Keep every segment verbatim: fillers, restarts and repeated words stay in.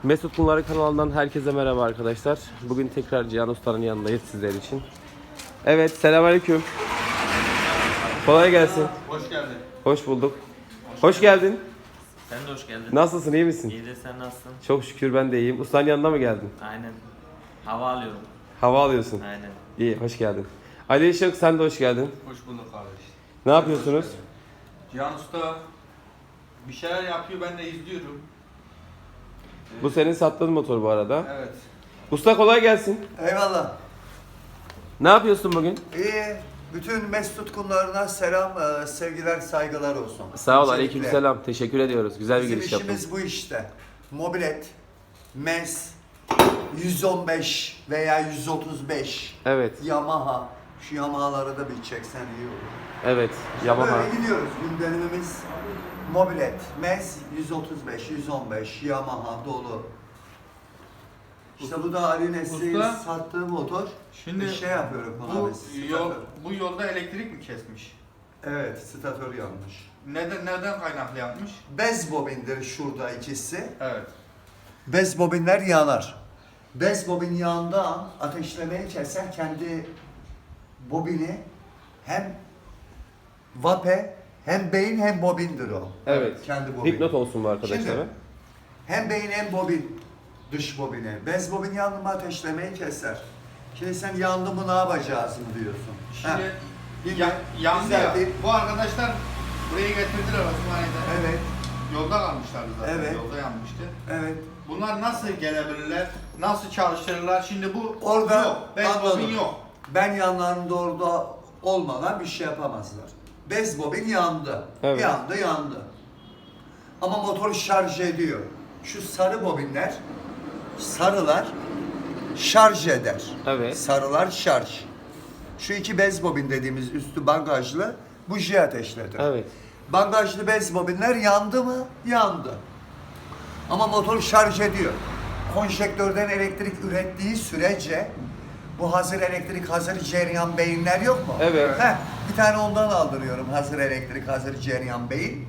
Mesut Bunları kanalından herkese merhaba arkadaşlar. Bugün tekrar Cihan Usta'nın yanındayız sizler için. Evet, selamünaleyküm. Kolay gelsin. Hoş geldin. Hoş bulduk. Hoş, hoş geldin. Sen de hoş geldin. Nasılsın, iyi misin? İyi de sen nasılsın? Çok şükür ben de iyiyim. Ustanın yanına mı geldin? Aynen. Hava alıyorum. Hava alıyorsun. Aynen. İyi, hoş geldin. Ali Işık, sen de hoş geldin. Hoş bulduk kardeş. Ne yapıyorsunuz? Cihan Usta bir şeyler yapıyor, ben de izliyorum. Bu senin sattığın motor bu arada. Evet. Usta kolay gelsin. Eyvallah. Ne yapıyorsun bugün? İyi. Bütün Mesut tutkunlarına selam, e, sevgiler, saygılar olsun. Sağ ol, Öncelikle. aleykümselam. Teşekkür ediyoruz. Güzel bir Bizim giriş yaptın. işimiz bu işte. Mobilet, Mes, yüz on beş veya yüz otuz beş, Evet, Yamaha. Şu Yamaha'ları da bir çeksen iyi olur. evet. Yamaha. Böyle gidiyoruz. Gündemimiz Mobilet, Mes, yüz otuz beş, yüz on beş, Yamaha dolu. İşte bu da Ali Nesli'nin Usta, sattığı motor. şimdi bir şey yapıyorum ona Bu biz. yol, statör. bu yolda elektrik mi kesmiş? Evet, statör yanmış. Neden nereden kaynaklı yapmış? Bez bobindir şurada ikisi. Evet. Bez bobinler yanar. Bez bobin yandığı an ateşlemeyi keser, kendi bobini hem vape hem beyin hem bobindir o. Evet. Kendi bobini. Dipnot olsun bu arkadaşlara. Şimdi, hem beyin hem bobin dış bobini. Bez bobin yandı mı ateşlemeyi keser. Şimdi sen yandı mı ne yapacağız mı diyorsun. Şimdi Heh. ya, yandı Güzel ya. bir- Bu arkadaşlar buraya getirdiler Osmaniye'den. Evet, Yolda kalmışlardı zaten. Evet. Yolda yanmıştı. evet. Bunlar nasıl gelebilirler? Nasıl çalıştırırlar? Şimdi bu Orada yok. Bez anladım. bobin yok. Ben yanlarında orada olmadan bir şey yapamazlar. Bez bobin yandı. Evet. Yandı, yandı. Ama motor şarj ediyor. Şu sarı bobinler, sarılar şarj eder. Evet. Sarılar şarj. Şu iki bez bobin dediğimiz üstü bagajlı buji ateşledir. Evet. Bagajlı bez bobinler yandı mı? Yandı. Ama motor şarj ediyor. Konjektörden elektrik ürettiği sürece bu hazır elektrik, hazır cereyan beyinler yok mu? Evet. Heh, bir tane ondan aldırıyorum. Hazır elektrik, hazır cereyan beyin.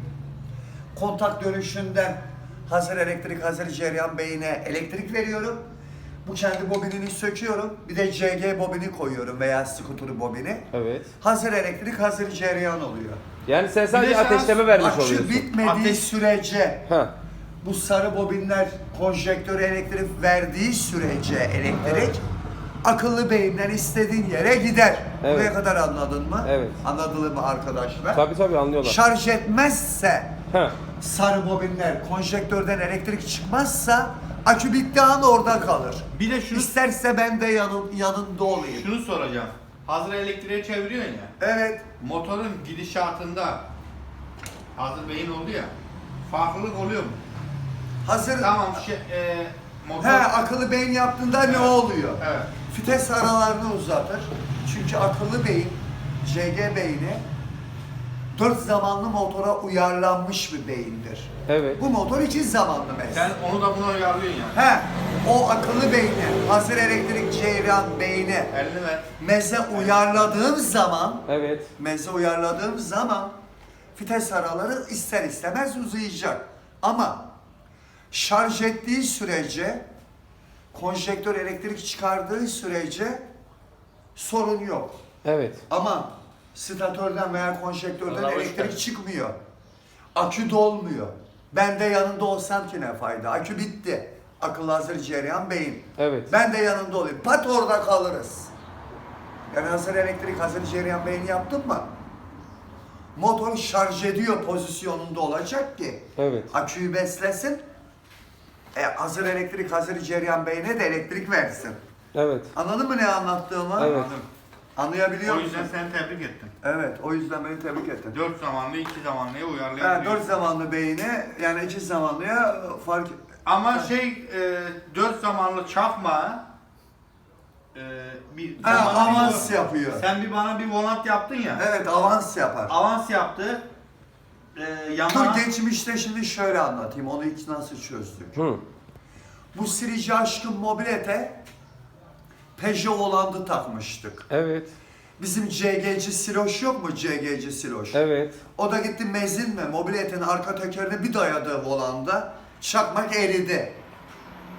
Kontak dönüşünden hazır elektrik, hazır cereyan beyine elektrik veriyorum. Bu kendi bobinini söküyorum. Bir de C G bobini koyuyorum veya skuter bobini. Evet. Hazır elektrik, hazır cereyan oluyor. Yani sen sadece Bir de sen ateşleme vermiş Akü oluyorsun. bitmediği Ateş- sürece Ha. bu sarı bobinler konjektöre elektrik verdiği sürece elektrik Evet. akıllı beyinden istediğin yere gider. Evet. Buraya kadar anladın mı? Evet. Anladın mı arkadaşlar? Tabii tabii anlıyorlar. Şarj etmezse Ha. sarı bobinler konjektörden elektrik çıkmazsa akü bittiği an orada kalır. Bir de şunu İsterse ben de yanın, yanında olayım. şunu soracağım. Hazır elektriğe çeviriyorsun ya. Evet. Motorun gidişatında hazır beyin oldu ya. Farklılık oluyor mu? Hazır. Tamam şey, e, motor. He, akıllı beyin yaptığında Evet. ne oluyor? Evet. Vites aralarını uzatır. Çünkü akıllı beyin, C G beyni dört zamanlı motora uyarlanmış bir beyindir. Evet. Bu motor iki zamanlı Sen mesela. onu da buna uyarlıyorsun yani. He, o akıllı beyni, hazır elektrik cereyan beyni Elini ver. meze uyarladığım zaman, Evet. meze uyarladığım zaman vites araları ister istemez uzayacak. Ama şarj ettiği sürece, konjektör elektrik çıkardığı sürece sorun yok. Evet. Ama statörden veya konjektörden Vallahi elektrik boş ver. çıkmıyor. Akü dolmuyor. Ben de yanında olsam ki ne fayda? Akü bitti. Akıl hazır cereyan beyin. Evet. Ben de yanında olayım. Pat orada kalırız. Yani hazır elektrik, hazır cereyan beyni yaptın mı? Motor şarj ediyor pozisyonunda olacak ki Evet. aküyü beslesin. E, hazır elektrik, hazır cereyan beyne de elektrik versin. Evet. Anladın mı ne anlattığımı? Evet. Anladım. Anlayabiliyor O musun? yüzden seni tebrik ettim. Evet, o yüzden beni tebrik ettin. Dört zamanlı, iki zamanlıya Ha, uyarlayabiliyorsun. dört zamanlı beyni yani iki zamanlıya fark... Ama şey, e, dört zamanlı çakma e, bir Ha, sen bana bir avans vo- yapıyor. Sen bir bana bir volant yaptın ya. Evet, avans yapar. Avans yaptı. E, yana Dur geçmişte şimdi şöyle anlatayım, onu ilk nasıl çözdük. Hı. Bu Sirici Aşkın mobilete Peugeot Holland'ı takmıştık. Evet. Bizim C G'ci Siloş yok mu C G'ci Siloş? Evet. O da gitti mezinle mobiletin arka tekerine bir dayadı volanda. Çakmak eridi.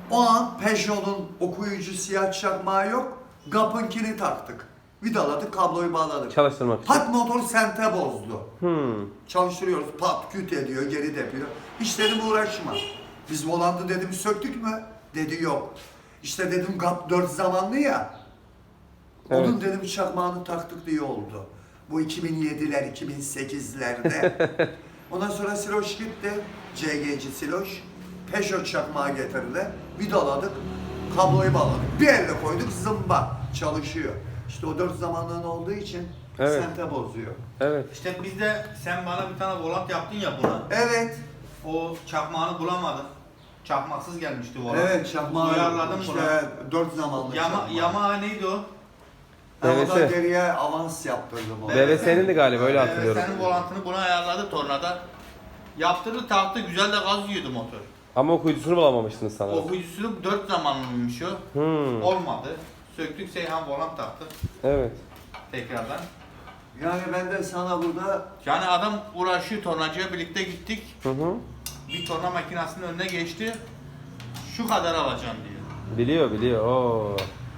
O an Peugeot'un okuyucu siyah çakmağı yok. Gap'ınkini taktık. Vidaladık, kabloyu bağladık. Çalıştırmak için. Pat motor sente bozdu. Hmm. Çalıştırıyoruz, pat küt ediyor, geri depiyor. Hiç dedim uğraşma. Biz volantı dedim söktük mü? Dedi yok. İşte dedim Gap dört zamanlı ya. Onun Evet. dedim çakmağını taktık diye oldu. Bu iki bin yediler, iki bin sekizlerde. Ondan sonra Siloş gitti. C G'ci Siloş. Peugeot çakmağı getirdi. Vidaladık. Kabloyu bağladık. Bir elle koyduk, zımba. Çalışıyor. İşte o dört zamanlığın olduğu için Evet. sente bozuyor. Evet. İşte biz de sen bana bir tane volant yaptın ya buna. Evet. O çakmağını bulamadın. Çakmaksız gelmişti volant. Evet, çakmağı Uyarladım işte bunu. dört zamanlı Yama, çakmağı. Yamaha neydi o? Ben B B S. ondan geriye avans yaptırdım onu. B B S'nin de galiba öyle Evet, hatırlıyorum. senin volantını buna ayarladı tornada. Yaptırdı taktı, güzel de gaz yiyordu motor. Ama okuyucusunu bulamamıştınız sanırım. Okuyucusu dört zamanlıymış o. Hmm. Olmadı. Söktük Seyhan volant taktı Evet. tekrardan. Yani ben de sana burada Yani adam uğraşıyor, tornacıya birlikte gittik. Hı hı. Bir torna makinesinin önüne geçti. Şu kadar alacağım diyor. Biliyor biliyor. Oo.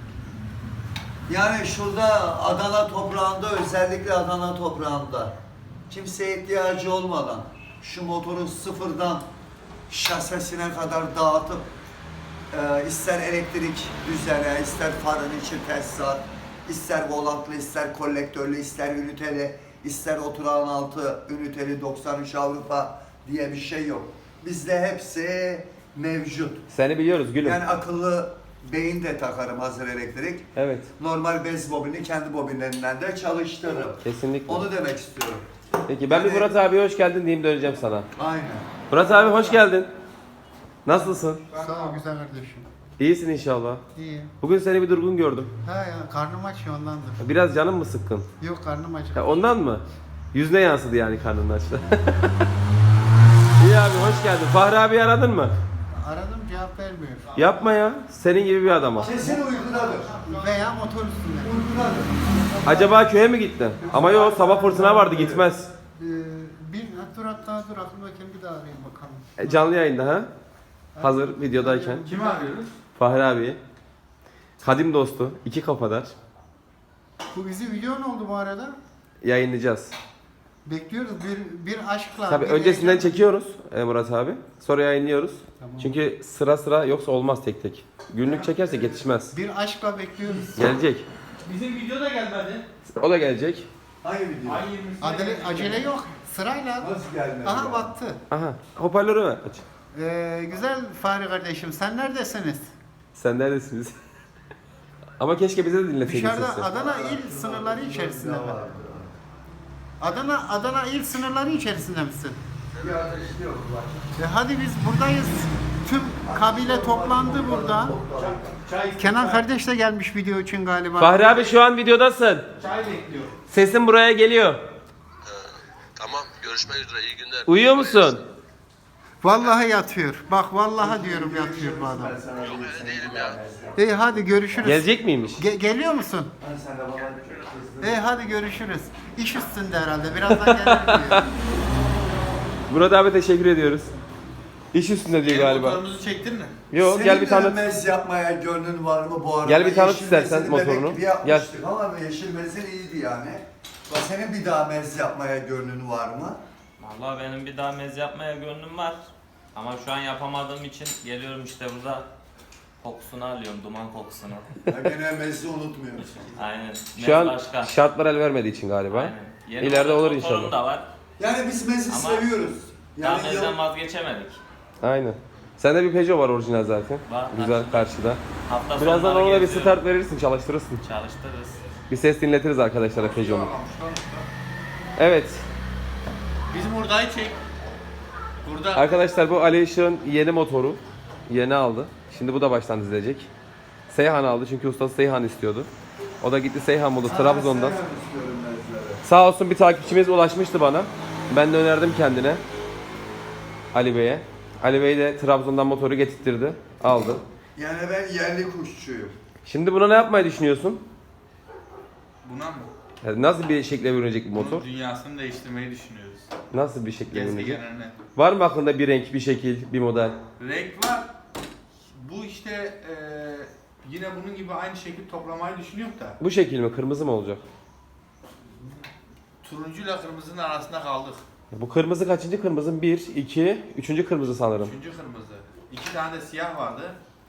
yani şurada Adana toprağında, özellikle Adana toprağında kimseye ihtiyacı olmadan şu motoru sıfırdan şasesine kadar dağıtıp e, ister elektrik düzene, ister farın içi tesisat, ister volantlı, ister kolektörlü, ister üniteli, ister oturağın altı üniteli doksan üç Avrupa diye bir şey yok. Bizde hepsi mevcut. Seni biliyoruz gülüm. Yani akıllı beyin de takarım hazır elektrik. Evet. Normal bez bobini kendi bobinlerinden de çalıştırırım. Kesinlikle. Onu demek istiyorum. Peki ben bir Yani- Murat abi hoş geldin diyeyim döneceğim sana. Aynen. Murat abi hoş geldin. Nasılsın? Sağ ol güzel kardeşim. İyisin inşallah. İyi. Bugün seni bir durgun gördüm. Ha ya karnım aç ya ondandır. Biraz canın mı sıkkın? Yok karnım aç. Ya ondan mı? Yüzüne yansıdı yani karnının açtı. İyi abi hoş geldin. Fahri abi aradın mı? Aradım cevap vermiyor. Yapma ya. Senin gibi bir adama. Kesin uykudadır. Veya motor üstünde. Uykudadır. Acaba köye mi gitti? Ama yok sabah fırtına vardı gitmez. Ee, bir dur hatta dur aklımdayken bir daha arayayım bakalım. E, canlı yayında ha? Hazır videodayken. Kimi arıyoruz? Fahri abi. Kadim dostu. iki kafadar. Bu bizi video ne oldu bu arada? Yayınlayacağız. Bekliyoruz bir bir aşkla. Tabii bir öncesinden heyecan. çekiyoruz e, Murat abi. Sonra yayınlıyoruz. Tamam. Çünkü sıra sıra yoksa olmaz tek tek. Günlük çekersek yetişmez. Bir aşkla bekliyoruz. Gelecek. Bizim video da gelmedi. O da gelecek. Hangi video? Ay yirmisinde Acele, gelecek. acele yok. Sırayla. Nasıl gelmedi? Aha ya? baktı. Aha. Hoparlörü ver. Aç. Ee, güzel Fahri kardeşim sen neredesiniz? Sen neredesiniz? Ama keşke bize de dinleseydin Dışarıda sesi. Adana il sınırları içerisinde mi? Adana Adana il sınırları içerisinde misin? Bir ateşli yok. E hadi biz buradayız. Tüm kabile toplandı burada. Çay, Kenan kardeş de gelmiş video için galiba. Fahri abi şu an videodasın. çay bekliyor. Sesin buraya geliyor. Tamam, görüşmek üzere. İyi günler. Uyuyor musun? Vallahi yatıyor. Bak vallahi diyorum yatıyor bu adam. Yok öyle değilim ya. İyi hadi görüşürüz. Gelecek miymiş? Ge- geliyor musun? Ben sen de bana kızdın. İyi hadi görüşürüz. İş üstünde herhalde. Birazdan gelir diyor. Murat abi teşekkür ediyoruz. İş üstünde diyor Benim galiba. motorumuzu çektin mi? Yo Senin gel bir tanıt. mez yapmaya gönlün var mı bu arada? Gel bir tanıt Yeşil istersen mezini motorunu. bebek gibi yapmıştık ama yeşil mezin iyiydi yani. Senin bir daha mez yapmaya gönlün var mı? Vallahi benim bir daha mez yapmaya gönlüm var. Ama şu an yapamadığım için geliyorum işte burada kokusunu alıyorum, duman kokusunu. Ya gene mezi unutmuyorsun. Aynen. Mez Şu an başka. şartlar el vermediği için galiba. Aynen. Yeni İleride olur motorum inşallah. da var. Yani biz mezi Ama seviyoruz. Daha Yani mezden yıl- vazgeçemedik. Aynen. Sende bir Peugeot var orijinal zaten. Var, Güzel karşıda. Hafta Birazdan sonları ona da bir geziyorum. start verirsin, çalıştırırsın. Çalıştırırız. Bir ses dinletiriz arkadaşlara Peugeot'un. Evet. Bizim hurdayı çek. Burada Arkadaşlar bu Ali Işık'ın yeni motoru. Yeni aldı. Şimdi bu da baştan dizilecek. Seyhan aldı çünkü ustası Seyhan istiyordu. O da gitti Seyhan buldu Trabzon'dan. Ben istiyorum mezleri. Sağ olsun bir takipçimiz ulaşmıştı bana. Ben de önerdim kendine. Ali Bey'e. Ali Bey de Trabzon'dan motoru getirtirdi. Aldı. Yani ben yerli kuşçuyum. Şimdi buna ne yapmayı düşünüyorsun? buna mı? Yani nasıl bir şekle bürünecek bu motor? Bunun dünyasını değiştirmeyi düşünüyoruz. Nasıl bir şekle bürünecek? Gezegenine. Var mı aklında bir renk, bir şekil, bir model? Renk var. Bu işte işte e, yine bunun gibi aynı şekilde toplamayı düşünüyorum da. Bu şekil mi? Kırmızı mı olacak? Turuncuyla kırmızının arasında kaldık. Bu kırmızı kaçıncı kırmızı? bir, iki, üçüncü kırmızı sanırım. Üçüncü kırmızı. İki tane de siyah vardı.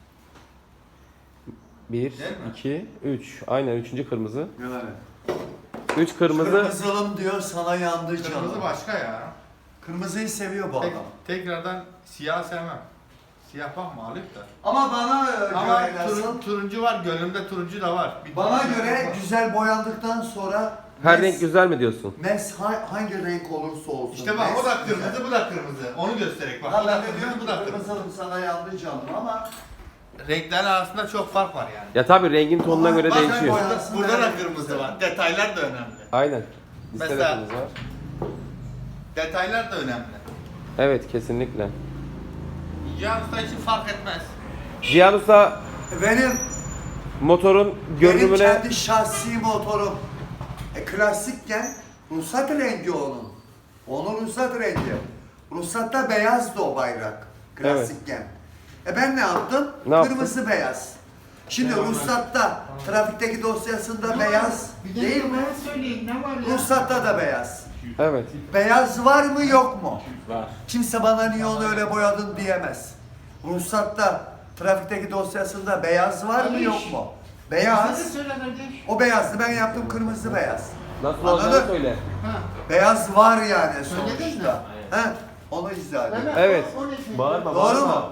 bir, Değil mi? iki, üç. Aynen üçüncü kırmızı. Yani. üç kırmızı. Kırmızılım diyor sana yandı canım. Kırmızı başka ya. Kırmızıyı seviyor bu Tek, adam. tekrardan siyah sevmem. Siyah bakma alıp da. Ama bana Ama göre nasıl? turun, turuncu var, gönlümde turuncu da var. Bir Bana turuncu göre var. güzel boyandıktan sonra Her mes- renk güzel mi diyorsun? mes ha- hangi renk olursa olsun. İşte bak mes o da güzel. kırmızı, bu da kırmızı. Onu göstererek bak. Ha Bu ben da de kırmızı, diyorum bu ki da kırmızı. kırmızılım sana yandı canım ama Renklerin arasında çok fark var yani. Ya tabii rengin tonuna Ama göre bak, değişiyor. boya- Burada, burada da kırmızı var. Detaylar da önemli. Aynen. Listede Mesela- kırmızı var. Detaylar da önemli. Evet kesinlikle. Cihan Usta için fark etmez. Cihan Usta benim motorun benim görünümüne kendi şahsi motorum e, klasikken ruhsat rengi onun. Onun ruhsat rengi. Ruhsatta beyazdı o bayrak klasikken. E ben ne yaptım? Ne yaptın? Kırmızı beyaz. Şimdi ruhsatta trafikteki dosyasında beyaz Bir de değil mi? bana söyleyin ne var ya? Ruhsatta da beyaz. evet. Beyaz var mı yok mu? Var. Kimse bana niye onu öyle boyadın diyemez. Ruhsatta trafikteki dosyasında beyaz var mı Kardeş. yok mu? Bize de Beyaz. söyle kardeş. O beyazdı ben yaptım kırmızı beyaz. Nasıl Anladın? olacağını söyle. Ha. Beyaz var yani Söyledin mi? sonuçta. He? Onu izah edeyim. Evet. o- o ne şey? Bağırma, Doğru mu?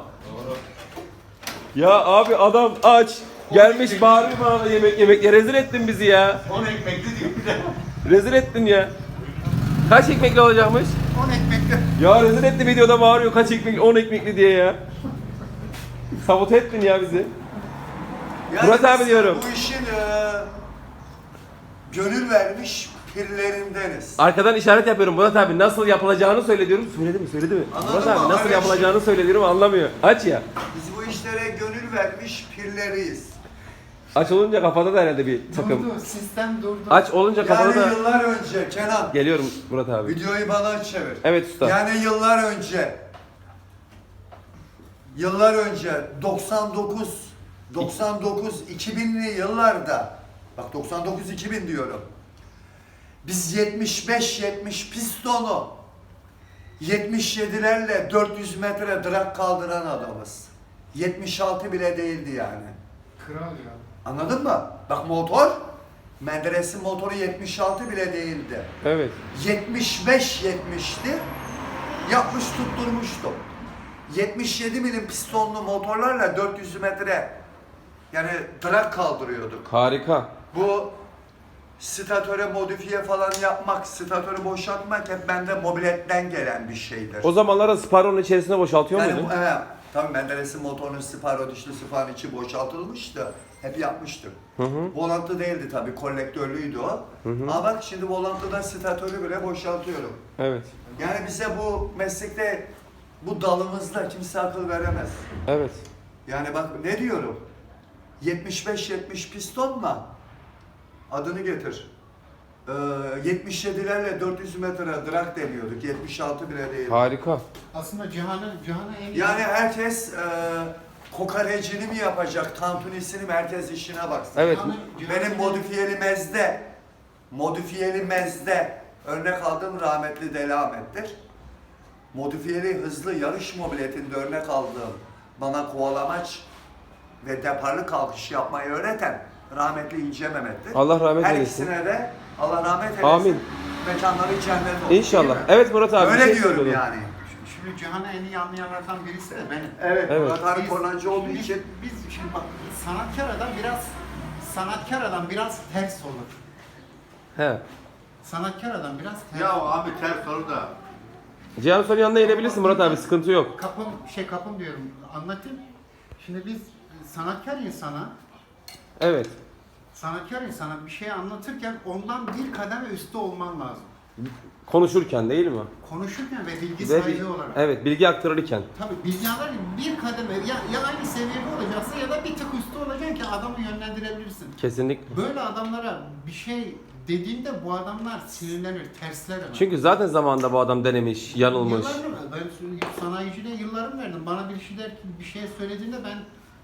Ya abi adam aç. Gelmiş bağırıyor bana da yemek yemek. Ya rezil ettin bizi ya. on ekmekli diyor bir de. Rezil ettin ya. Kaç ekmekli olacakmış? on ekmekli. Ya rezil etti videoda bağırıyor kaç ekmek on ekmekli diye ya. Sabote ettin ya bizi. Yani Murat abi biz diyorum. Bu işin e, gönül vermiş pirlerindeniz. Arkadan işaret yapıyorum Murat abi nasıl yapılacağını söyle diyorum. Söyledi mi söyledi mi? Anladın Murat mı? abi nasıl Öyle yapılacağını söyle diyorum anlamıyor. Aç ya. Biz bu işlere gönül vermiş pirleriyiz. Aç olunca kafada da herhalde bir takım. Durdu, sistem durdu. Aç olunca kafada Yani da... yıllar önce Kenan, Geliyorum Murat abi. videoyu bana çevir. Evet usta. Yani yıllar önce yıllar önce doksan dokuz doksan dokuz iki binli yıllarda bak doksan dokuz iki bin diyorum. Biz yetmiş beş yetmiş pistonu yetmiş yedilerle dört yüz metre drag kaldıran adamız. yetmiş altı bile değildi yani. Kral ya. Anladın mı? Bak motor Menderes'in motoru yetmiş altı bile değildi. Evet. yetmiş beş yetmişti. Yapmış tutturmuştum. yetmiş yedi milim pistonlu motorlarla dört yüz metre yani drag kaldırıyorduk. Harika. Bu statöre modifiye falan yapmak, statörü boşaltmak hep bende mobiletten gelen bir şeydir. O zamanlarda Sparro'nun içerisine boşaltıyor Yani muydun? bu, evet, tabii Menderes'in motorunun Sparrow dişli sıfanın içi boşaltılmıştı. Hep yapmıştık. Hı hı. Volantı değildi tabii, kolektörlüydü o. Hı hı. Ama bak şimdi volantıda statörü bile boşaltıyorum. Evet. Yani bize bu meslekte, bu dalımızda kimse akıl veremez. Evet. Yani bak ne diyorum? yetmiş beş yetmiş pistonla adını getir. Ee, yetmiş yedilerle dört yüz metre drag deniyorduk. yetmiş altı bile değil. Harika. Aslında Cihan'ı Cihan'ı en Yani herkes e, kokarecini mi yapacak, tantunisini mi, herkes işine baksın. Evet. Cihan'ı- Cihan'ı- Benim modifiyeli mezde, modifiyeli mezde örnek aldığım rahmetli Deli Ahmet'tir. Modifiyeli hızlı yarış mobiletinde örnek aldığım bana kovalamaç ve deparlı kalkış yapmayı öğreten rahmetli İnce Mehmet'tir. Allah rahmet Her eylesin. ikisine de Allah rahmet eylesin. Amin. Mekanları cennet olsun. İnşallah. değil mi? Evet Murat abi. bir Öyle şey diyorum söylüyordun. yani. Şimdi Cihan'ı en iyi anlayanlardan birisi de benim. Evet, Evet. Murat abi Biz- kornancı olduğu biz- için Biz şimdi bak sanatkar adam biraz sanatkar adam biraz ters olur. He. Sanatkar adam biraz ters Ya olur. abi ters soru da. Cihan Usta'nın yanına gelebilirsin Murat abi sıkıntı yok. Kapım şey kapım diyorum anlatayım. Şimdi biz sanatkar insana Evet. sanatkar insana bir şey anlatırken ondan bir kademe üstte olman lazım. Konuşurken değil mi? Konuşurken ve bilgi Ve sahibi bir- olarak. evet bilgi aktarırken. Tabii bilgi alırken bir kademe ya, ya aynı seviyede olacaksın ya da bir tık üstte olacaksın ki adamı yönlendirebilirsin. Kesinlikle. Böyle adamlara bir şey dediğinde bu adamlar sinirlenir, tersler hemen. Çünkü zaten zamanında bu adam denemiş, yanılmış. Yıllarını ben sanayiciliğe yıllarım verdim. Bana bir şeyler bir şey söylediğinde ben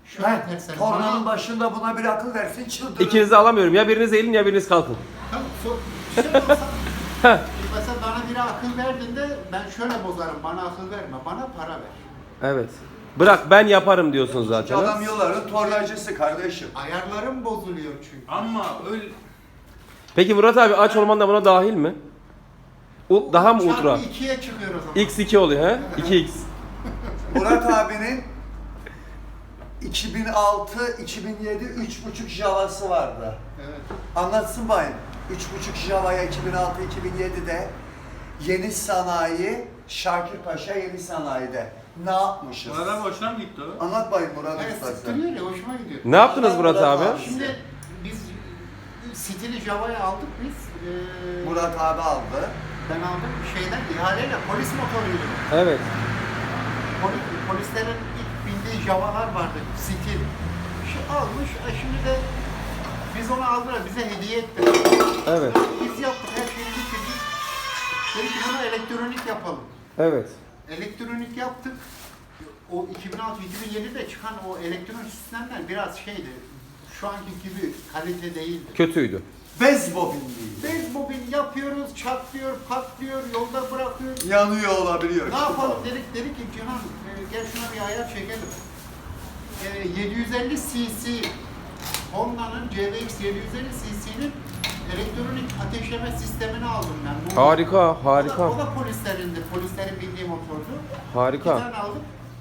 Şöyle Ben tersen. tornanın Bana- başında buna bir akıl versin çıldırır. İkinizi alamıyorum. Ya biriniz eğilin ya biriniz kalkın. Tamam, so- şey olsa, mesela bana biri akıl verdiğinde ben şöyle bozarım. Bana akıl verme, bana para ver. Evet. Bırak ben yaparım diyorsun zaten. ha? Adam yolların tornacısı kardeşim. Ayarlarım bozuluyor çünkü. Ama öyle Peki Murat abi aç olman da buna dahil mi? U- daha mı ultra? Çarpı ikiye çıkıyor o zaman. X iki oluyor he? iki x. Murat abinin iki bin altı iki bin yedi üç buçuk Java'sı vardı. Evet. Anlatsın bayım. üç buçuk Java'ya iki bin altı iki bin yedi'de Yeni Sanayi, Şakirpaşa Yeni Sanayi'de ne yapmışız? Bunlara boşuna mı gitti o? Anlat bayım Murat Evet, Ustası. sıktırıyor ya, hoşuma gidiyor. Ne yaptınız Murat abi? Şimdi biz stili Java'yı aldık biz. Ee, Murat abi aldı. Ben aldım şeyden, ihaleyle polis motoruydu. Evet. Polis, polislerin ilk bindiği Java'lar vardı, stil. Şu almış, e şimdi de biz onu aldılar, bize hediye ettiler. Evet. Biz yaptık, her şeyi bitirdik. Dedik ki bunu elektronik yapalım. Evet. Elektronik yaptık. O iki bin altı iki bin yedi'de çıkan o elektronik sistemler biraz şeydi. Şu anki gibi kalite değildi. Kötüydü. Bez bobinliydi. Bez bobin yapıyoruz, çatlıyor, patlıyor, yolda bırakıyor. Yanıyor olabiliyor. Ne yapalım dedik, dedik ki Cihan e, gel şuna bir ayar çekelim. E, yedi yüz elli cc Honda'nın C V X yedi yüz elli cc'nin elektronik ateşleme sistemini aldım ben. Bu- Harika, O da, harika. o da polislerindi, polislerin bindiği motordu. Bir Harika. tane aldım.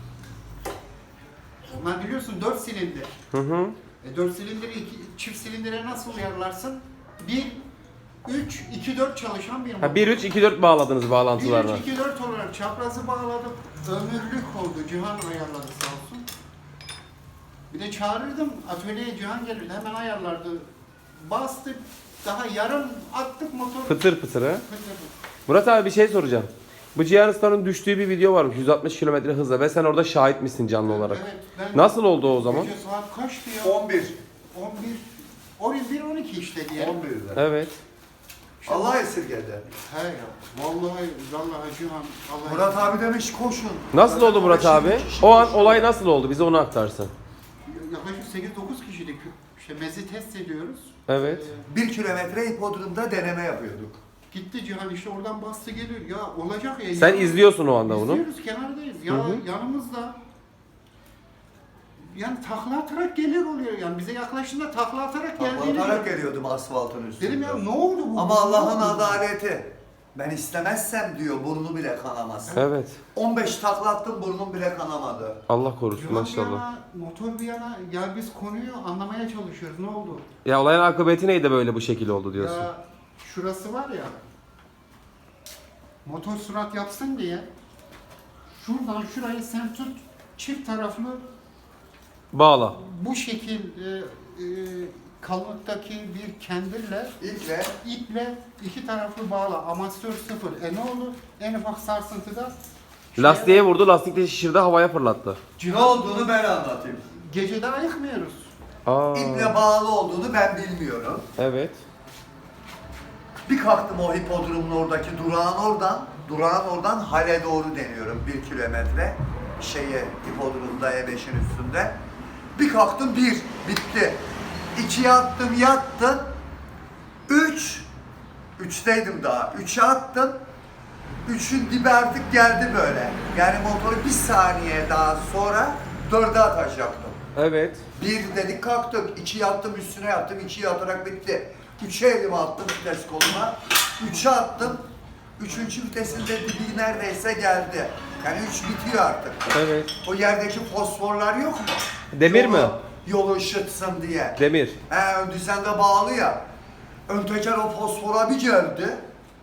Onlar biliyorsun dört silindir. Hı hı. E, dört silindiri iki, çift silindire nasıl uyarlarsın? bir, üç, iki, dört çalışan bir motor. Ha bir üç iki dört bağladınız bir, bağlantılarına. üç, iki, dört olarak çaprazı bağladım. Ömürlük oldu. Cihan ayarladı sağ olsun. Bir de çağırırdım. Atölyeye Cihan gelirdi. Hemen ayarlardı. Bastık. Daha yarım attık motoru. Pıtır pıtır ha. Pıtır. Murat abi bir şey soracağım. Bu Cihan Usta'nın düştüğü bir video varmış yüz altmış kilometre hızla ve sen orada şahit misin canlı olarak? Evet, ben Nasıl oldu o zaman? Gece saat kaçtı ya? on bir. on bir. on bir on iki işte diye. on bir'de. Evet. Allah esirgedi. He ya. Vallahi vallahi Cihan. Allah Murat abi demiş koşun. Nasıl oldu Murat Şimdi abi? kişi O an koşuyor. olay nasıl oldu? Bize onu aktarsın. Yaklaşık sekiz dokuz kişilik işte mezi test ediyoruz. Evet. Ee, Bir kilometre hipodromda deneme yapıyorduk. gitti Cihan işte oradan bastı geliyor. Ya olacak ya. Sen ya- izliyorsun o anda bunu. İzliyoruz kenardayız. Ya Hı hı. yanımızda yani takla atarak geliyor oluyor yani bize yaklaştığında takla atarak geldiğini Patlatarak gördüm. geliyordum asfaltın üstünde. Dedim ya ne oldu bu? Ama Ne Allah'ın oldu? adaleti. Ben istemezsem diyor burnu bile kanamaz. Evet. on beş takla attım burnum bile kanamadı. Allah korusun Cihan bir maşallah. yana, motor bir yana ya biz konuyu anlamaya çalışıyoruz. Ne oldu? Ya olayın akıbeti neydi böyle bu şekilde oldu diyorsun. Ya şurası var ya motor sürat yapsın diye şuradan şurayı sen tut çift taraflı Bağla. bu şekil e, e, kalınlıktaki bir kendirle İlkle iple iki taraflı bağla amatör sıfır. E ne oldu? En ufak sarsıntıda şeye- Lastiğe vurdu, lastik de şişirdi, havaya fırlattı. ne olduğunu ben anlatayım. Gecede ayıkmıyoruz. Aa. İple bağlı olduğunu ben bilmiyorum. Evet. Bir kalktım o hipodromun oradaki durağın oradan, durağın oradan hale doğru deniyorum bir kilometre. Şeye, hipodromda E beşin üstünde. Bir kalktım bir, bitti. İkiye attım, yattım. Üç, üçteydim daha. Üçe attım. Üçün dibi artık geldi böyle. Yani motoru bir saniye daha sonra dörde atacaktım. Evet. Bir dedik kalktık, iki yattım üstüne yattım, iki yatarak bitti. Üçe elimi attım vites koluma, üçe attım. Üçüncü vitesinde dibi neredeyse geldi. Yani üç bitiyor artık. Evet. O yerdeki fosforlar yok mu? Demir Yolu- mi? Yolu ışıtsın diye. Demir. He, ön düzende bağlı ya. Ön teker o fosfora bir geldi.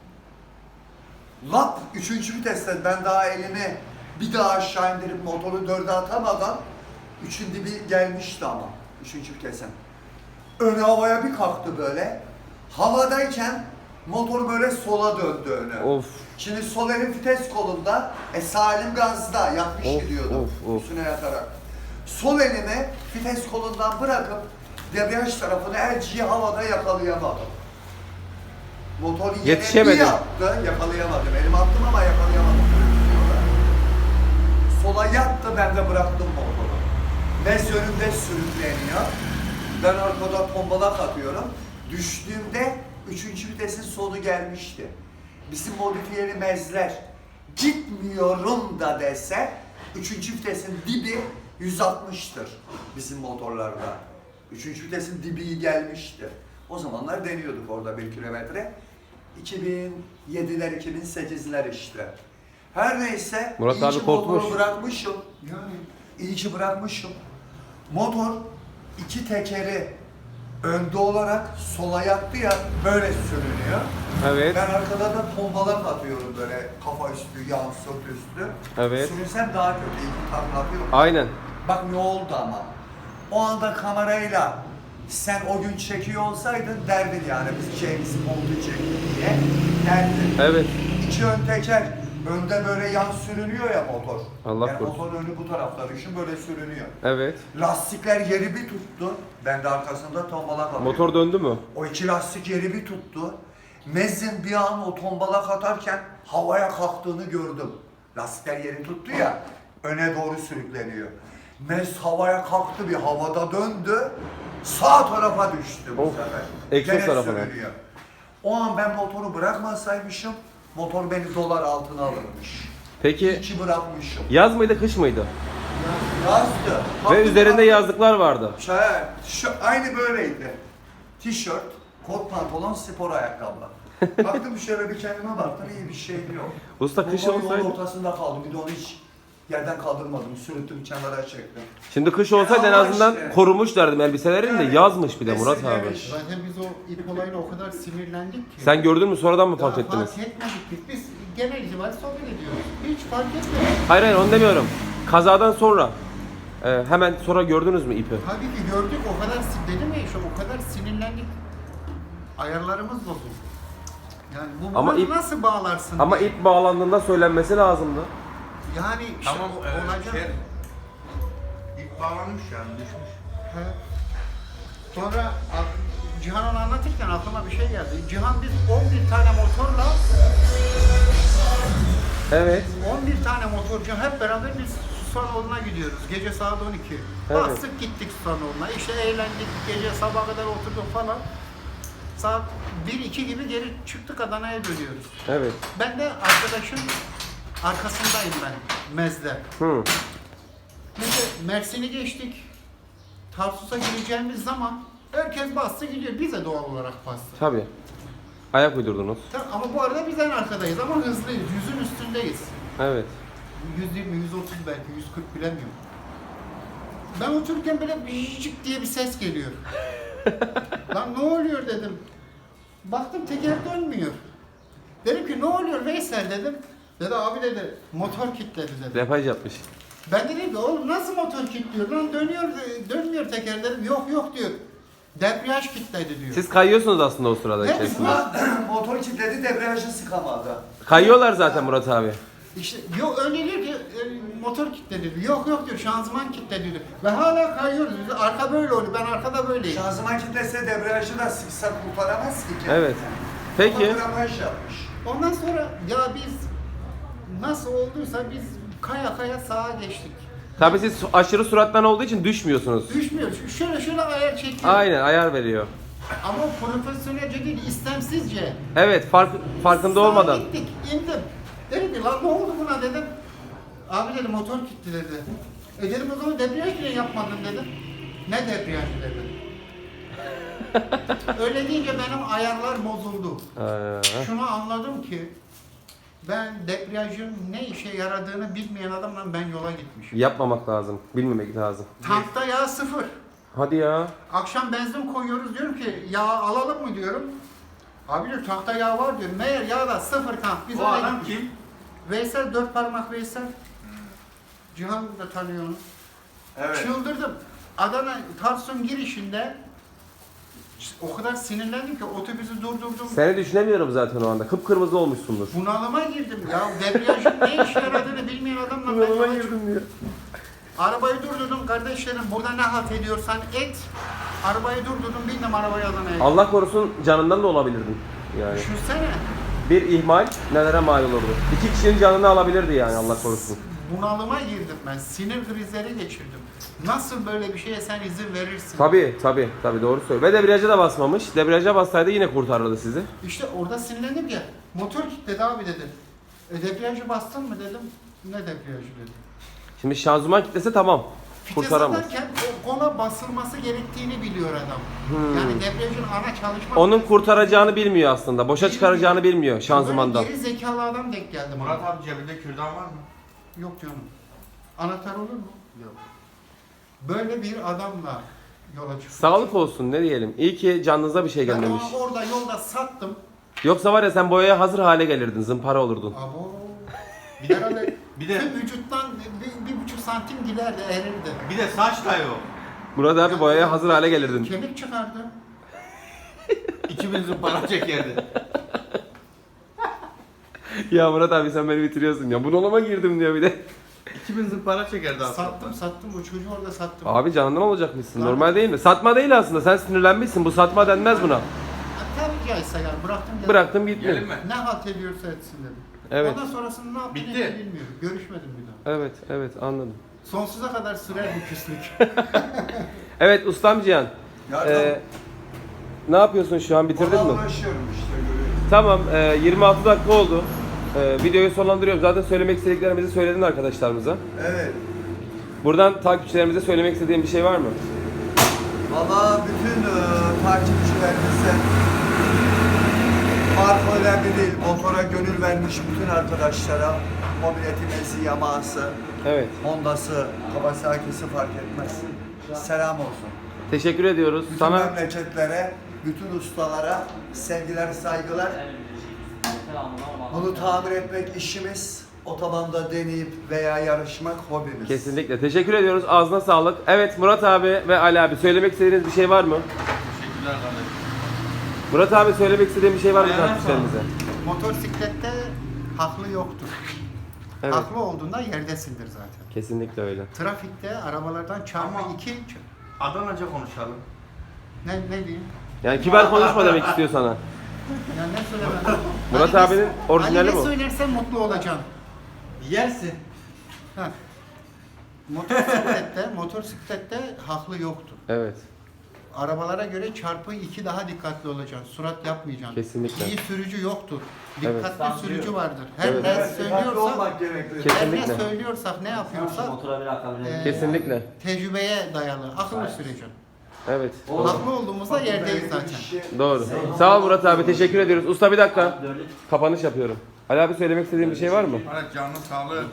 Lap, üçüncü viteste ben daha elimi bir daha aşağı indirip motoru dörde atamadan üçün dibi gelmişti ama üçüncü vitesin. Ön havaya bir kalktı böyle. Havadayken motor böyle sola döndü öne. Of. Şimdi sol elim vites kolunda, e sağ elim gazda yapmış Of, gidiyordum of, of. üstüne yatarak. Sol elimi vites kolundan bırakıp debriyaj tarafını elciyi havada yakalayamadım. Motor yine Yetişemedin. bir yaptı, yakalayamadım. Elim attım ama yakalayamadım. Sola yattı, ben de bıraktım motoru. Mez önümde sürükleniyor. Ben arkada tombalak atıyorum. Düştüğümde üçüncü vitesin sonu gelmişti. Bizim modifiyeli mezler gitmiyorum da dese üçüncü vitesin dibi yüz altmıştır bizim motorlarda. Üçüncü vitesin dibi gelmişti. O zamanlar deniyorduk orada bir kilometre. iki bin yediler, iki bin sekizler işte. Her neyse, Murat iyi abi ki korkmuş. motoru bırakmışım. Yani İyi ki bırakmışım. Motor iki tekeri önde olarak sola yattı ya, böyle sürünüyor. Evet. Ben arkada da tombalak atıyorum böyle kafa üstü, yan sırt üstü. Evet. Sürünsem daha kötü, iyi ki takla atıyorum. Aynen. Bak ne oldu ama. O anda kamerayla sen o gün çekiyor olsaydın derdin yani biz James Bond'u çektik diye derdin. Evet. İki ön teker, önde böyle yan sürünüyor ya motor. Allah yani korusun. motorun önü bu tarafta düşün böyle sürünüyor. Evet. Lastikler yeri bir tuttu. Ben de arkasında tombalak atıyorum. Motor döndü mü? O iki lastik yeri bir tuttu. Mezin bir an o tombalak atarken havaya kalktığını gördüm. Lastikler yeri tuttu ya, öne doğru sürükleniyor. Mez havaya kalktı, bir havada döndü, sağ tarafa düştü bu Of, sefer. egzoz Gene tarafına. sürünüyor. O an ben motoru bırakmasaymışım, motor beni dolar altına alırmış. Peki İki bırakmışım. yaz mıydı kış mıydı? Yazdı. Ve Baktım, üzerinde baktım. yazlıklar vardı. Şey, şu, aynı böyleydi. Tişört, kot pantolon, spor ayakkabı. Baktım şöyle bir kendime baktım, iyi bir şey yok. Usta kış Bu yolun olsaydı. ortasında kaldım, bir de onu hiç yerden kaldırmadım, sürüttüm, kenara çektim. Şimdi kış olsaydı en ama azından işte. korumuş derdim elbiselerini de Yani yazmış bir de Murat abi. beslemiş. zaten biz o ip olayına o kadar sinirlendik ki. Sen gördün mü sonradan mı Daha fark ettiniz? fark etmedik biz. Biz genel itibariyle sohbet ediyoruz. Hiç fark etmedik. Hayır hayır onu demiyorum. Kazadan sonra. e, hemen sonra gördünüz mü ipi? Tabii ki gördük o kadar sin- dedim ya işte o kadar sinirlendik. Ayarlarımız bozuldu. Yani bu Ama bunu ip- nasıl bağlarsın? Ama diye. ip bağlandığında söylenmesi lazımdı. Yani işte Tamam, o, e, olacak. şey, ip bağlanmış yani düşmüş. He. Sonra ak- Cihan onu anlatırken aklıma bir şey geldi. Cihan biz on bir tane motorla Evet. on bir tane motorcu hep beraber biz Susanoğlu'na gidiyoruz. Gece saat on iki. Evet. Bastık gittik Susanoğlu'na. İşte eğlendik. Gece sabaha kadar oturduk falan. Saat bir iki gibi geri çıktık Adana'ya dönüyoruz. Evet. Ben de arkadaşın arkasındayım ben Mez'de. Hı. Neyse Mersin'i geçtik. Tarsus'a gireceğimiz zaman herkes bastı gidiyor. Biz de doğal olarak bastık. Tabii. Ayak uydurdunuz. Tamam, ama bu arada biz en arkadayız ama hızlıyız. Yüzün üstündeyiz. Evet. yüz yirmi, yüz otuz belki, yüz kırk bilemiyorum. Ben otururken böyle bıcık diye bir ses geliyor. Lan ne oluyor dedim. Baktım teker dönmüyor. Dedim ki ne oluyor Veysel dedim. Dedi abi dedi motor kilitledi dedi. Depaj yapmış. Ben dedim ki oğlum nasıl motor kilitliyor lan dönüyor dönmüyor teker dedim. Yok yok diyor. Debriyaj kilitledi diyor. Siz kayıyorsunuz aslında o sırada Hep içerisinde. Motor kilitledi, debriyajı sıkamadı. Kayıyorlar zaten Murat abi. İşte yok öyle diyor ki e, motor kilitledi diyor. Yok yok diyor şanzıman kilitledi diyor. Ve hala kayıyoruz. Biz arka böyle oluyor. Ben arkada böyleyim. Şanzıman kilitlese debriyajı da sıksa kurtaramaz ki kendini. Evet. Peki. Ama gramaj yapmış. Ondan sonra ya biz nasıl olduysa biz kaya kaya sağa geçtik. Tabii siz su- aşırı surattan olduğu için düşmüyorsunuz. Düşmüyoruz. Şöyle şöyle ayar çekiyor. Aynen ayar veriyor. Ama profesyonelce değil, istemsizce. Evet fark, farkında Sağa olmadan. gittik, indim. Dedim ki lan ne oldu buna dedim. Abi dedi motor kilitli dedi. E dedim o zaman debriyaj niye yapmadın dedim. Ne debriyajı dedi. Öyle deyince benim ayarlar bozuldu. Ee, Şunu anladım ki ben debriyajın ne işe yaradığını bilmeyen adamla ben yola gitmişim. yapmamak lazım. Bilmemek lazım. Tankta yağ sıfır. Hadi ya. Akşam benzin koyuyoruz diyorum ki yağ alalım mı diyorum. Abi diyor tankta yağ var diyor. Meğer yağ da sıfır tank. Biz Bu öyle adam gittik. kim? Veysel dört parmak Veysel. Cihan da tanıyor onu. Evet. Çıldırdım. Adana Tarsus'un girişinde o kadar sinirlendim ki otobüsü durdurdum. Seni düşünemiyorum zaten o anda. Kıpkırmızı olmuşsundur. Bunalıma girdim. Ya debriyajın ne işe yaradığını bilmeyen adamla ben yola çıktım. diyor. Arabayı durdurdum kardeşlerim. Burada ne halt ediyorsan et. Arabayı durdurdum. Bindim arabaya Adana'ya. Allah korusun canından da olabilirdin. Yani Düşünsene. bir ihmal nelere mal olurdu. İki kişinin canını alabilirdi yani Allah korusun. bunalıma girdim ben. Sinir krizleri geçirdim. Nasıl böyle bir şeye sen izin verirsin? Tabii tabii tabii doğru söylüyor. Ve debriyaja da basmamış. Debriyaja bassaydı yine kurtarırdı sizi. İşte orada sinirlendim ya. Motor kilitledi abi dedi. E debriyajı bastın mı dedim. Ne debriyajı dedi. Şimdi şanzıman kitlese tamam. Vites Kurtaramaz. atarken o- ona basılması gerektiğini biliyor adam. Yani debriyajın ana çalışma... Onun kurtaracağını bilmiyor aslında. Boşa çıkaracağını bilmiyor şanzımandan. Böyle geri zekalı adam denk geldi bana. Murat abi cebinde kürdan var mı? Yok canım. Anahtar olur mu? Yok. Böyle bir adamla yola çıkmış. Sağlık olsun ne diyelim. İyi ki canınıza bir şey Ben gelmemiş. onu orada yolda sattım. Yoksa var ya sen boyaya hazır hale gelirdin. Zımpara olurdun. Abo. Bir de herhalde Bir de- tüm vücuttan bir, bir buçuk santim giderdi, erirdi. Bir de saç da yok. Murat abi boyaya hazır hale gelirdin. Kemik çıkardı. iki bin zımpara çekerdi. Ya Murat abi sen beni bitiriyorsun ya. Bunalıma girdim diyor bir de. iki bin zımpara çekerdi aslında. Sattım sattım o çocuğu orada sattım. Abi canından olacakmışsın. Normal değil mi? Satma değil aslında. Sen sinirlenmişsin. Bu satma denmez buna. Ha, tabii caizse yani bıraktım geldim. Bıraktım gitti. Gelin mi? Ne halt ediyorsa etsin dedim. Evet. Ondan sonrasını ne yaptığını Bitti. bilmiyorum. Görüşmedim bir daha. Evet, evet anladım. Sonsuza kadar sürer bu küslük. Evet ustam Cihan. Ya Ee, ne yapıyorsun şu an? Bitirdin Ona mi? uğraşıyorum işte görüyorsun. Tamam. e, yirmi altı dakika oldu. E, videoyu sonlandırıyorum. Zaten söylemek istediklerimizi söyledin arkadaşlarımıza. Evet. Buradan takipçilerimize söylemek istediğin bir şey var mı? Valla bütün e, takipçilerimize marka önemli değil. Motora gönül vermiş bütün arkadaşlara mobiletimesi, Yamaha'sı, Evet. Honda'sı, Kawasaki'si fark etmez. Selam olsun. Teşekkür ediyoruz. Bütün Sana memleketlere, bütün ustalara sevgiler, saygılar. Bunu tamir etmek işimiz. Otobanda deneyip veya yarışmak hobimiz. kesinlikle teşekkür ediyoruz. Ağzına sağlık. Evet Murat abi ve Ali abi söylemek istediğiniz bir şey var mı? Teşekkürler kardeşim. Murat abi söylemek istediğin bir şey var mı Ayağına takipçilerimize? Motosiklette haklı yoktur. Evet. Haklı olduğunda yerdesindir zaten. Kesinlikle öyle. Trafikte arabalardan çarpı Ama- iki... Adanaca konuşalım. Ne, ne diyeyim? Yani kibar konuşma demek istiyor sana. Yani ne söylemem? Murat Ali abinin ne- orijinali Ali bu. ne söylersen mutlu olacaksın. Yersin. Ha. Motosiklette, motosiklette haklı yoktur. Evet. Arabalara göre çarpı iki daha dikkatli olacaksın. Surat yapmayacaksın. Kesinlikle. İyi sürücü yoktur. Evet. Dikkatli sürücü vardır. Her Evet. ne Evet, dikkatli söylüyorsak, olmak gerekli. her ne Kesinlikle. söylüyorsak, ne yapıyorsak e, Kesinlikle. tecrübeye dayalı. Akıllı süreceksin. Evet. Doğru. Haklı olduğumuzda yerdeyiz zaten. Doğru. Sağ ol Murat abi. Teşekkür ediyoruz. Usta bir dakika. Kapanış yapıyorum. Ali abi söylemek istediğin bir şey var mı? Evet canlı sağlığı.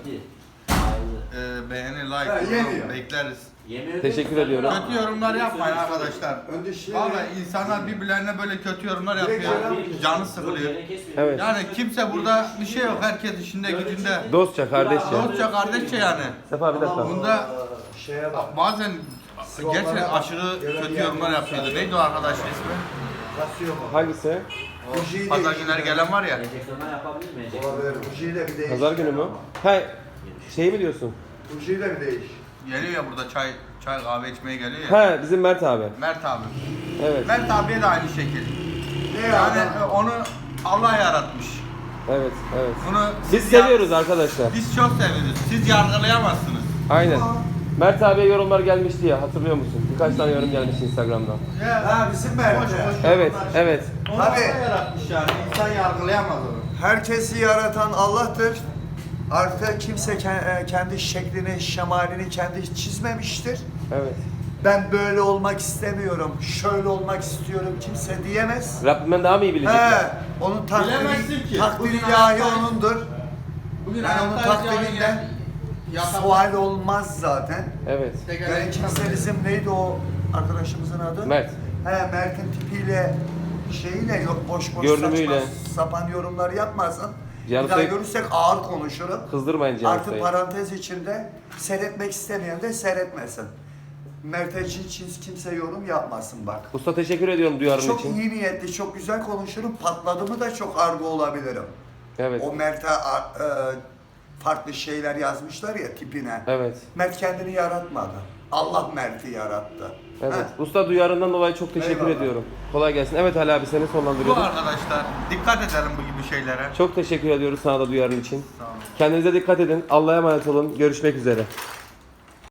Ee, beğeni, like, Ha, yeni yorum ya. bekleriz. Teşekkür ediyorum. Kötü yorumlar yapmayın arkadaşlar. Önce şey... Vallahi insanlar birbirlerine böyle kötü yorumlar yapıyor. Canı sıkılıyor. Evet. Yani kimse burada bir şey yok. Herkes işinde gücünde. Dostça, kardeşçe. Dostça, kardeşçe yani. Sefa bir dakika. Bunda Şeye bak. bazen gerçekten aşırı kötü yorumlar yapıyordu. Neydi o arkadaşın ismi? Kasıyor mu? Hangisi? Bujiyi Pazar de- günleri gelen var ya. Olabilir. Bujiyi de bir değiş. Pazar günü mü? Ha, şey mi diyorsun? Bujiyi de bir değiş. Geliyor ya burada çay çay kahve içmeye geliyor ya. Ha, bizim Mert abi. Mert abi. Evet. Mert abiye de aynı şekil. Ne Yani ya? onu Allah yaratmış. Evet, evet. Bunu Biz siz ya- seviyoruz arkadaşlar. Biz çok seviyoruz. Siz yargılayamazsınız. Aynen. Mert abiye yorumlar gelmişti ya, hatırlıyor musun? Birkaç tane yorum gelmiş Instagram'dan. Ya, Ha bizim Mert. boş, boş Evet, yorumlar. evet. Onu Tabii. Allah yaratmış yani. İnsan yargılayamaz onu. Herkesi yaratan Allah'tır. Artık kimse ke- kendi şeklini, şemalini kendi çizmemiştir. Evet. Ben böyle olmak istemiyorum, şöyle olmak istiyorum kimse diyemez. Rabbimden daha mı iyi bilecekler? He, onun Bilemezsin takdiri, ki. takdiri Bugün ilahi hayattayız. onundur. Bugün Yani onun hayattayız yani takdirinden ya- sual olmaz zaten. Evet. Yani kimse bizim neydi o arkadaşımızın adı? Mert. He, Mert'in tipiyle şeyiyle yok boş boş Görünümüyle. saçma sapan yorumlar yapmasın. Canı Bir daha tek- görürsek ağır konuşurum. Kızdırmayın Cihan Artı Usta'yı. parantez içinde seyretmek istemeyen de seyretmesin. Mert'e için hiç kimse yorum yapmasın bak. Usta teşekkür ediyorum duyarın Çok için. iyi niyetli, çok güzel konuşurum. Patladı mı da çok argo olabilirim. Evet. O Mert'e a- e, farklı şeyler yazmışlar ya tipine. Evet. Mert kendini yaratmadı. Allah Mert'i yarattı. Evet. Heh. Usta duyarından dolayı çok teşekkür Eyvallah. ediyorum. Kolay gelsin. Evet Ali abi seni Bu sonlandırıyordum. arkadaşlar dikkat edelim bu gibi şeylere. Çok teşekkür ediyoruz sana da duyarın için. Sağ olun. Kendinize dikkat edin. Allah'a emanet olun. Görüşmek üzere.